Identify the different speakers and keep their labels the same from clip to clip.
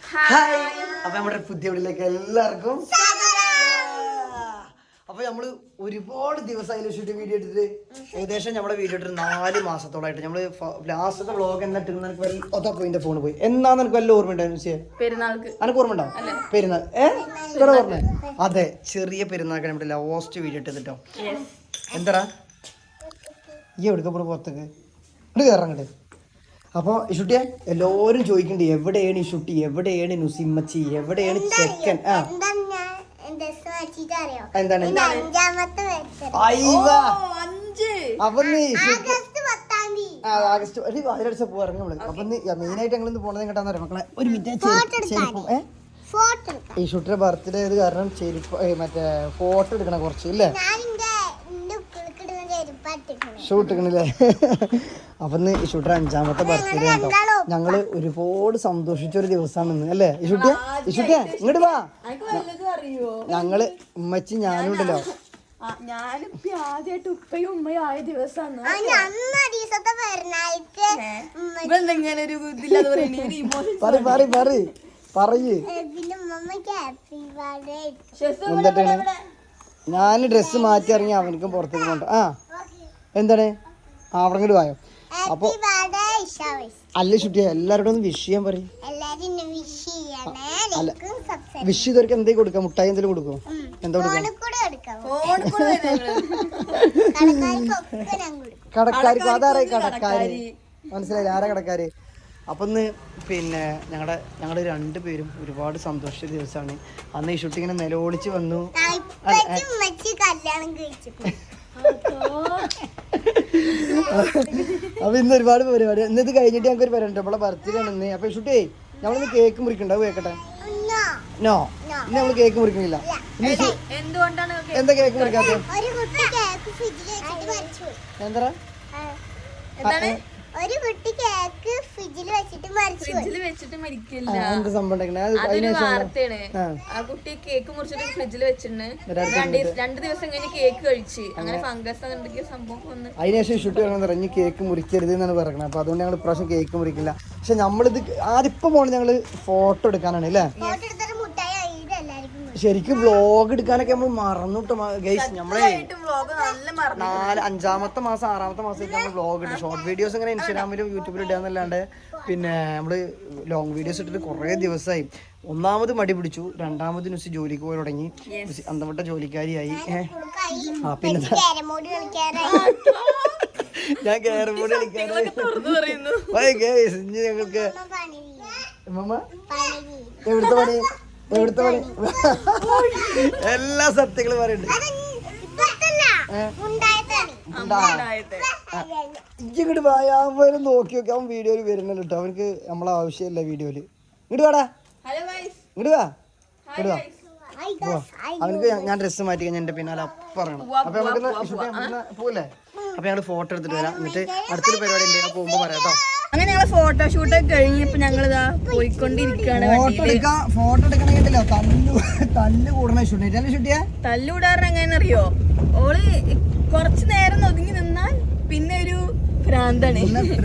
Speaker 1: Hi. അപ്പൊ നമ്മുടെ പുതിയ വീട്ടിലേക്ക് എല്ലാവർക്കും. അപ്പൊ നമ്മള് ഒരുപാട് ദിവസമായി ഷൂട്ട് വീഡിയോ എടുത്തിട്ട് ഏകദേശം നമ്മുടെ വീഡിയോ ഇട്ടിട്ട് 4 മാസത്തോളായിട്ട് നമ്മള് ലാസ്റ്റത്തെ വ്ളോഗ് എന്നാ പോയിന്റെ ഫോൺ പോയി. എന്നാന്ന് എനിക്ക് വല്ല ഓർമ്മ ഉണ്ടായിരുന്നു? അനക്ക് ഓർമ്മ ഉണ്ടാവും പെരുന്നാൾ. ഇവിടെ ഓർമ്മ? അതെ, ചെറിയ പെരുന്നാൾക്ക് നമ്മുടെ ലാസ്റ്റ് വീഡിയോ ഇട്ടിട്ടോ. എന്താ ഈ എവിടുക്ക പോണ പുറത്തേക്ക് ഇങ്ങോട്ട് കയറങ്ങട്ട്. അപ്പോൾ ഇഷുട്ടിയെ എല്ലാവരും ചോദിക്കണ്ട്, എവിടെയാണ് ഇഷുട്ടി, എവിടെയാണ് നുസിമ്മച്ചി, എവിടെയാണ് ചെക്കൻ? എന്താണ് അപ്പൊ ആഗസ്റ്റ് അതിലടിച്ച പോവാറുണ്ട് നമ്മള്. അപ്പൊ മെയിനായിട്ട് ഞങ്ങൾ ഇന്ന് പോണത് എങ്ങോട്ടാന്ന് പറയാം മക്കളെ. ഒരു മിനിറ്റ്. ഈ ഷൂട്ടിന്റെ ബർത്ത്ഡേ ആയത് കാരണം മറ്റേ ഫോട്ടോ എടുക്കണം കുറച്ച് ഇല്ലേ, ഷൂട്ട് എടുക്കണില്ലേ. അപ്പൊ ഇന്ന് ഷൂട്ടർ 5ാമത്തെ ബർത്ത്ഡേ ഉണ്ടോ. ഞങ്ങള് ഒരുപാട് സന്തോഷിച്ചൊരു ദിവസമാണ് ഇന്ന് അല്ലേ ഇഷുട്ടിയെ? ഇഷുട്ടിയെ ഇങ്ങോട്ട് വാ. ഞങ്ങള് ഉമ്മച്ചി ഞാനും ഉണ്ടല്ലോ.
Speaker 2: ഞാനിപ്പ ആദ്യമായിട്ട് ഉപ്പയും ഉമ്മയും ആയ ദിവസമാണ്.
Speaker 1: പറയ്. എന്താണ് ഞാൻ ഡ്രസ്സ് മാറ്റി ഇറങ്ങി അവനക്കും പുറത്തേക്ക് പോണ്ട. എന്താണ് അവിടെ ഇങ്ങോട്ട് വായോ. അപ്പൊ അല്ല ഷുട്ടിയ എല്ലാവരോടും ഒന്ന് വിഷ് ചെയ്യാൻ പറയും. അല്ല വിഷ് ചെയ്തവർക്ക് എന്തെങ്കിലും കൊടുക്കാം, മുട്ടായി എന്തെങ്കിലും കൊടുക്കും. എന്താ കൊടുക്കാം? കടക്കാർക്ക്. അതാരായി കടക്കാര്? മനസ്സിലായില്ല ആരാ കടക്കാര്? അപ്പൊ ഇന്ന് പിന്നെ ഞങ്ങളുടെ 2 പേരും ഒരുപാട് സന്തോഷ ദിവസമാണ്. അന്ന് ഈ ഷൂട്ട് ഇങ്ങനെ നിലവിളിച്ച് വന്നു. അപ്പൊ ഇന്ന് ഒരുപാട് പരിപാടി. ഇന്നത് കഴിഞ്ഞിട്ട് ഞങ്ങൾക്ക് ഒരു പരിപാടി, നമ്മളെ ബർത്ത്ഡേ ആണ് ഇന്ന്. അപ്പൊ ഷൂട്ടേ നമ്മളിന്ന് കേക്ക് മുറിക്കണ്ടാവും. കേക്കട്ടെ? നോ, ഇന്ന് നമ്മള് കേക്ക് മുറിക്കണില്ല. എന്താ കേക്ക് മുറിക്കാത്ത? എന്താ
Speaker 3: ഒരു കുട്ടി കേക്ക് ഫ്രിഡ്ജിൽ വെച്ചിട്ട് മരിക്കില്ല.
Speaker 1: എന്ത് സംഭവം?
Speaker 2: വാർത്തയാണ്. ആ കുട്ടി കേക്ക് മുറിച്ചിട്ട് ഫ്രിഡ്ജിൽ വെച്ചിട്ടുണ്ട്. 2 ദിവസം കഴിഞ്ഞ് കേക്ക് കഴിച്ച് അങ്ങനെ ഫംഗസ് എന്തൊക്കെയോ സംഭവം വന്ന്
Speaker 1: അതിനുശേഷം ഷൂട്ട് പറഞ്ഞ് കേക്ക് മുറിക്കരുത് എന്നാണ് പറയുന്നത്. അപ്പൊ അതുകൊണ്ട് ഞങ്ങൾ ഇപ്രാവശ്യം കേക്ക് മുറിക്കില്ല. പക്ഷെ നമ്മളിത് ആദ്യപ്പം പോണത് ഞങ്ങള് ഫോട്ടോ എടുക്കാനാണ് അല്ലേ. ശരിക്കും വ്ളോഗ് എടുക്കാനൊക്കെ നമ്മൾ മറന്നിട്ട് ഗൈസ്. നമ്മളെ 5ാമത്തെ മാസം 6ാമത്തെ മാസത്തേക്ക് നമ്മൾ വ്ളോഗ് ഇട്ട് ഷോർട്ട് വീഡിയോസ് ഇങ്ങനെ ഇൻസ്റ്റാഗ്രാമിലും യൂട്യൂബിലും ഇടാന്നല്ലാണ്ട് പിന്നെ നമ്മള് ലോങ് വീഡിയോസ് ഇട്ടിട്ട് കുറേ ദിവസമായി. ഒന്നാമത് മടി പിടിച്ചു, 2ാമത് ന്യൂസ് ജോലിക്ക് പോയി തുടങ്ങി, അന്തപ്പെട്ട ജോലിക്കാരിയായി. പിന്നെ ഞാൻ ക്യാരം ബോർഡ് കളിക്കാനായി ഞങ്ങൾക്ക് എവിടുത്തെ പണി എല്ലാ സത്യങ്ങളും പറയുന്നുണ്ട്. ഇങ്ങോട്ട് വായാൻ നോക്കി നോക്കി അവൻ വീഡിയോയിൽ വരുന്നല്ലോ കേട്ടോ. അവനക്ക് നമ്മളെ ആവശ്യമില്ല വീഡിയോയില്. ഇങ്ങോട്ട് വാടാ, ഇങ്ങോട്ട് വാ. അവനക്ക് ഞാൻ ഡ്രസ്സ് മാറ്റി കഴിഞ്ഞാൽ എന്റെ പിന്നാലെ പറയണം. അപ്പൊ നമുക്ക് പോലെ അപ്പൊ ഞങ്ങള് ഫോട്ടോ എടുത്തിട്ട് വരാം. എന്നിട്ട് അടുത്തൊരു പരിപാടി ഉണ്ട്, പോകുമ്പോ പറയാം കേട്ടോ.
Speaker 2: അങ്ങനെ ഞങ്ങള് ഫോട്ടോഷൂട്ട് കഴിഞ്ഞപ്പോ ഞങ്ങളിതാ പോയിക്കൊണ്ടിരിക്കുകയാണ്.
Speaker 1: ഫോട്ടോ എടുക്കണ കേട്ടില്ലോ, തല്ല് കൂടണ ഷൂട്ട് ഷൂട്ടിയാ.
Speaker 2: തല്ലൂടാറ് എങ്ങനെയറിയോ, ഓള് കുറച്ചു നേരം ഒതുങ്ങി നിന്നാൽ പിന്നെ ഒരു ഭ്രാന്താണ്.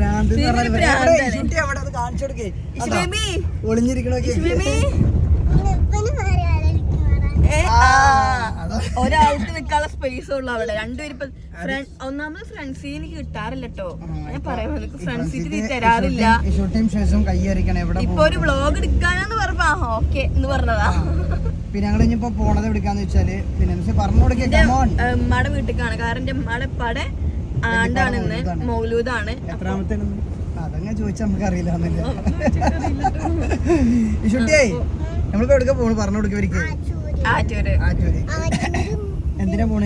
Speaker 2: ഒരാൾക്ക് നിൽക്കാനുള്ള സ്പേസ് ഉള്ളു അവിടെ. 2 പേര് ഇപ്പൊ ഒന്നാമത് ഫ്രണ്ട് സീറ്റ് കിട്ടാറില്ല കേട്ടോ. ഞാൻ പറയാം, ഫ്രണ്ട് സീറ്റ് തരാറില്ല. ഇപ്പൊ ഒരു വ്ളോഗ് എടുക്കാനാന്ന് പറഞ്ഞ ഓക്കെ എന്ന് പറഞ്ഞതാ.
Speaker 1: പിന്നെ ഞങ്ങൾ ഇനിയിപ്പോ പോണത് എടുക്കാന്ന് വെച്ചാല് പിന്നെ പറഞ്ഞു കൊടുക്കാം
Speaker 2: ഉമ്മയുടെ വീട്ടിലേക്കാണ്. കാരണം എന്റെ ഉമ്മയുടെ പടെ ആണ്ടാണെന്ന് മൗലൂദാണ്.
Speaker 1: എത്രാമത്തെ അതങ്ങനെ ചോദിച്ചാൽ നമുക്ക് അറിയില്ല. നമ്മളിപ്പോ എവിടേക്കാ പോണു പറഞ്ഞു കൊടുക്കവർക്ക്?
Speaker 2: ആറ്റൂര്.
Speaker 1: എന്തിനാ പോണേ?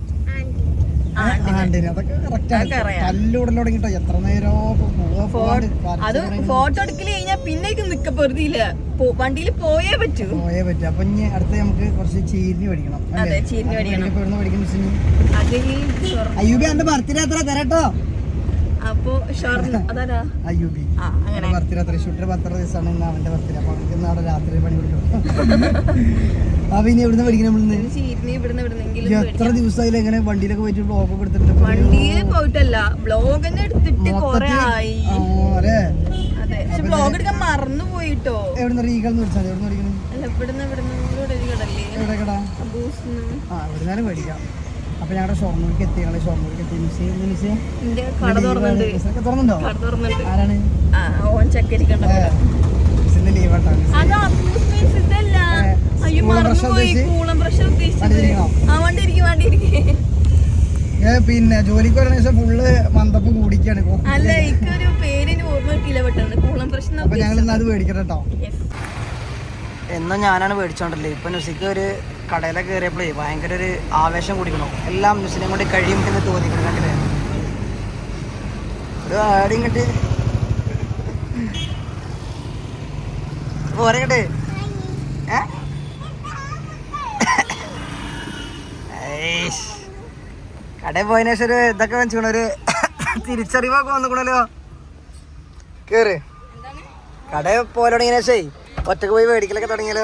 Speaker 1: അതൊക്കെ കല്ലൂടൽ തുടങ്ങിട്ടോ. എത്ര നേരം
Speaker 2: അത് ഫോട്ടോ എടുക്കല് കഴിഞ്ഞാൽ പിന്നെ നിക്ക പൊറുതിയില്ല, വണ്ടിയിൽ പോയേ പറ്റൂ.
Speaker 1: അപ്പൊ ഇനി അടുത്ത നമുക്ക് കുറച്ച് ചീരിനി പഠിക്കണം.
Speaker 2: അതെ, ചീരിനി പഠിക്കണം.
Speaker 1: അയ്യൂബി എന്റെ ബർത്ത്ഡേ എത്ര തരട്ടോ.
Speaker 2: അപ്പൊ അതാരാ
Speaker 1: അയ്യൂബി ബർത്ത്ഡേ ഷൂട്ടിന്റെ 10 ദിവസമാണ് ഇന്ന് അവന്റെ ബർത്ത്ഡേ. അപ്പൊ അവർക്ക് നാളെ രാത്രി പണി കൊടുക്കണം. അപ്പൊ ഇനി എവിടുന്ന് പഠിക്കണം? എത്ര ദിവസമായില്ല എങ്ങനെ വണ്ടിയിലൊക്കെ പോയിട്ട് ബ്ലോഗ് ഒക്കെ എടുത്തിട്ട്?
Speaker 2: വണ്ടിയിൽ പോയിട്ടല്ല, ബ്ലോഗ് തന്നെ എടുത്തിട്ട് കൊറേ ആയി.
Speaker 1: അതെ,
Speaker 2: പക്ഷെ ബ്ലോഗ് എടുക്കാൻ മറന്നു പോയിട്ടോ.
Speaker 1: എവിടുന്ന് റീഗൾന്ന് വിളിച്ചാൽ എവിടുന്ന് പഠിക്കണം?
Speaker 2: അല്ല ഇവിടുന്ന് ഇവിടെ ഒരു കടല്ലേ
Speaker 1: എവിടെ കട? ആ എവിടുന്നാലും മേടിക്കാം. അപ്പൊ ഞങ്ങളുടെ ഷൊർണൂർക്ക് എത്തി. ഞങ്ങള് ഷൊർണൂർക്ക് എത്തി.
Speaker 2: കട
Speaker 1: തുറന്നുണ്ടോ? ആരാണ്?
Speaker 2: ഓൻ ചക്കരിക്കണ്ട.
Speaker 1: മിസ്സിന്റെ ലീവ് ആട്ടാണ്.
Speaker 2: അയ്യോ മറന്നുപോയി. കൂളം പ്രഷർ ഉദ്ദേശിച്ചത്. വണ്ടി
Speaker 1: പിന്നെ ജോലിക്ക് വരുന്ന ദിവസം ഫുള്ള് മന്ദപ്പ് കൂടിക്കാണ്.
Speaker 2: അല്ല ഇക്കൊരു പേരിന് ഓർമ്മ കിട്ടില്ല പെട്ടെന്ന്. കൂളം പ്രശ്നം.
Speaker 1: അപ്പൊ ഞങ്ങൾ അത് മേടിക്കണം കേട്ടോ. എന്നും ഞാനാണ് മേടിച്ചോണ്ടല്ലേ. ഇപ്പൊ നുസിക്ക് ഒരു കടയിലൊക്കെ കയറിയപ്പോഴേ ഭയങ്കര ഒരു ആവേശം കുടിക്കണോ. എല്ലാം നുസിനെ കൊണ്ട് കഴിയും എന്ന് തോന്നിക്കണം. കണ്ടില്ലേ ഒരു ആടിയും കണ്ട് പോരെ കണ്ട്. കടയിൽ പോയതിനു ശേഷം ഒരു ഇതൊക്കെ വെച്ചിക്കണ ഒരു തിരിച്ചറിവൊക്കെ വന്നിക്കണല്ലോ. കേറ് കടയിൽ പോലെ തുടങ്ങിയ ശേഷേ ഒറ്റക്ക് പോയി മേടിക്കലൊക്കെ തുടങ്ങിയല്ലോ.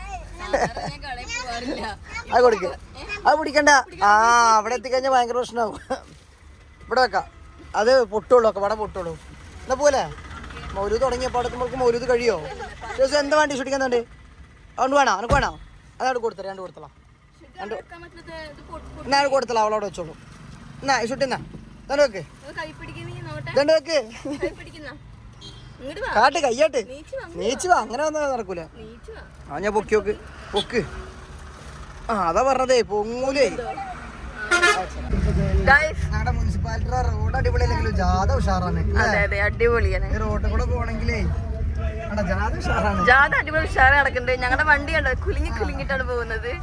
Speaker 1: അത് കൊടുക്ക, അത് പിടിക്കണ്ട. അവിടെ എത്തിക്കഴിഞ്ഞാൽ ഭയങ്കര പ്രശ്നമാവും. ഇവിടെ വെക്കാം. അത് പൊട്ടുള്ളൂ ഒക്കെ ഇവിടെ പൊട്ടുള്ളൂ. എന്നാ പോലെ മൗലൂദ് തുടങ്ങിയപ്പോൾ അടുക്കുമ്പോൾക്ക് മൗലൂദ് കഴിയോ? ശേഷം എന്താ വേണ്ടി ഷൂട്ടിക്കാൻ വേണ്ടി? അതുകൊണ്ട് വേണോ? എനിക്ക് വേണോ? അതവിടെ കൊടുത്തരാം. രണ്ട് കൊടുത്തலாம். എന്നാ കൊടുത്തலாம். അവളോട് വെച്ചോളൂ. എന്നാ ഷൂട്ടി എന്നാ തന്നെ വെക്ക്. ഇതണ്ട് വെക്ക്. കാട്ട് കയ്യാട്ട് നീച്ചു വാ. അങ്ങനെ വന്നാൽ നടക്കൂല. ഞാൻ പൊക്കി നോക്ക്. പൊക്ക്. അതാ പറഞ്ഞതേ പൊങ്ങൂലേ. ഞങ്ങളുടെ മുനിസിപ്പാലിറ്റി റോഡ് അടിപൊളിയല്ലെങ്കിലും ജാഥ ഉഷാറാണ്.
Speaker 2: അടിപൊളിയാണ്.
Speaker 1: റോഡിൽ കൂടെ പോണെങ്കിലേ ജാഥ ഉഷാറാണ്.
Speaker 2: ജാഥ അടിപൊളി ഉഷാറ് നടക്കുന്നുണ്ട്. ഞങ്ങളുടെ വണ്ടി കണ്ടോ കുലുങ്ങിട്ടാണ് പോകുന്നത്.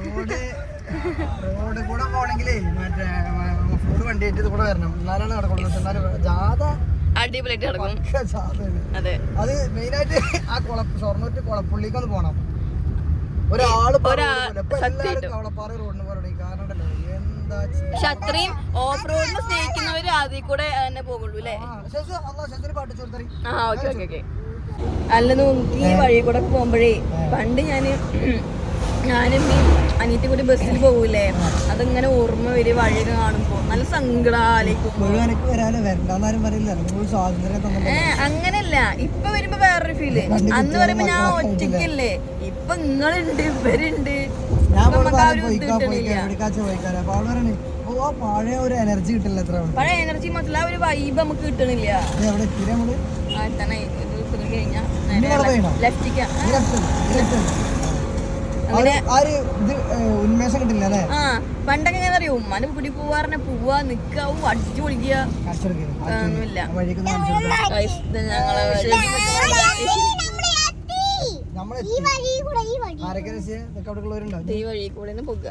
Speaker 1: റോഡ് കൂടെ പോണെങ്കിലേ മറ്റേ ഫുഡ് വണ്ടി ആയിട്ട് കൂടെ വരണം. എന്നാലാണ് നടക്കുള്ളൂ. എന്നാലും ജാഥ
Speaker 2: അടിപൊളിയായിട്ട് നടക്കും.
Speaker 1: അതെ. അത് മെയിനായിട്ട് ആ ഷൊർണൂർ കുളപ്പുള്ളിക്ക് ഒന്ന് പോണം. ഒരാള് കവളപ്പാറ റോഡിന് പോകണം. കാരണം എന്താ
Speaker 2: പക്ഷെ അത്രയും ഓഫ് റോഡിന് സ്നേഹിക്കുന്നവര് അതിൽ കൂടെ തന്നെ പോകുള്ളൂ അല്ലേ? അല്ല നോക്കി ഈ വഴി കൂടെ പോകുമ്പോഴേ പണ്ട് ഞാനും ഈ അനിയത്തി കൂടി ബസ്സിൽ പോകൂലേ, അതിങ്ങനെ ഓർമ്മ വരും. വഴിയൊക്കെ കാണുമ്പോ നല്ല സങ്കടാലേക്കും. അങ്ങനല്ല, ഇപ്പൊ വരുമ്പോ വേറൊരു ഫീല്. അന്ന് പറയുമ്പോ ഞാൻ ഒറ്റയ്ക്കല്ലേ, ഇപ്പൊ നിങ്ങളുണ്ട്, ഇവരുണ്ട്. പഴയ എനർജി മാത്രല്ല ഒരു വൈബ് നമുക്ക് കിട്ടണില്ല. ലെഫ്റ്റിക്കാ
Speaker 1: ഉന്മേഷം കിട്ടില്ല അല്ലേ?
Speaker 2: പണ്ടൊക്കെ എങ്ങനെ അറിയോ, ഉമ്മാന്റെ കുടി പോവാറിനെ പോവാ നിക്കാവും അടിച്ചു പൊളിക്കുക ഒന്നുമില്ല. ഈ വഴി കൂടെ പോകുക.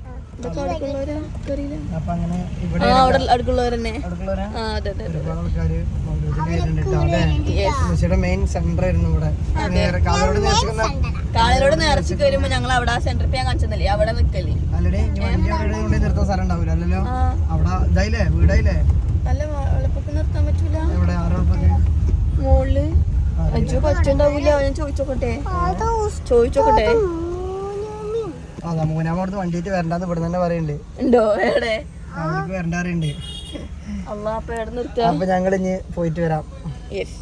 Speaker 2: അടുക്കുള്ളവരെന്നെ. കാളിലോട് നേർച്ചക്ക് വരുമ്പോ ഞങ്ങൾ അവിടെ ആ സെന്ററിൽ ഞാൻ കാണിച്ചതല്ലേ, അവിടെ നിക്കല്ലേ. നല്ല വെളുപ്പൊക്കെ നിർത്താൻ പറ്റൂല. മോളില് അജു പറ്റുണ്ടാവൂല. ഞാൻ ചോദിച്ചോക്കട്ടെ.
Speaker 1: മൂന്നാമത് വണ്ടിയിട്ട് വരണ്ടാന്ന് ഇവിടെ തന്നെ പറയുന്നുണ്ട്.
Speaker 2: ഉണ്ടോ? എവിടെ
Speaker 1: വരണ്ടാറുണ്ട്.
Speaker 2: അപ്പൊ എവിടെ നിർത്താം?
Speaker 1: അപ്പൊ ഞങ്ങൾ ഇനി പോയിട്ട് വരാം.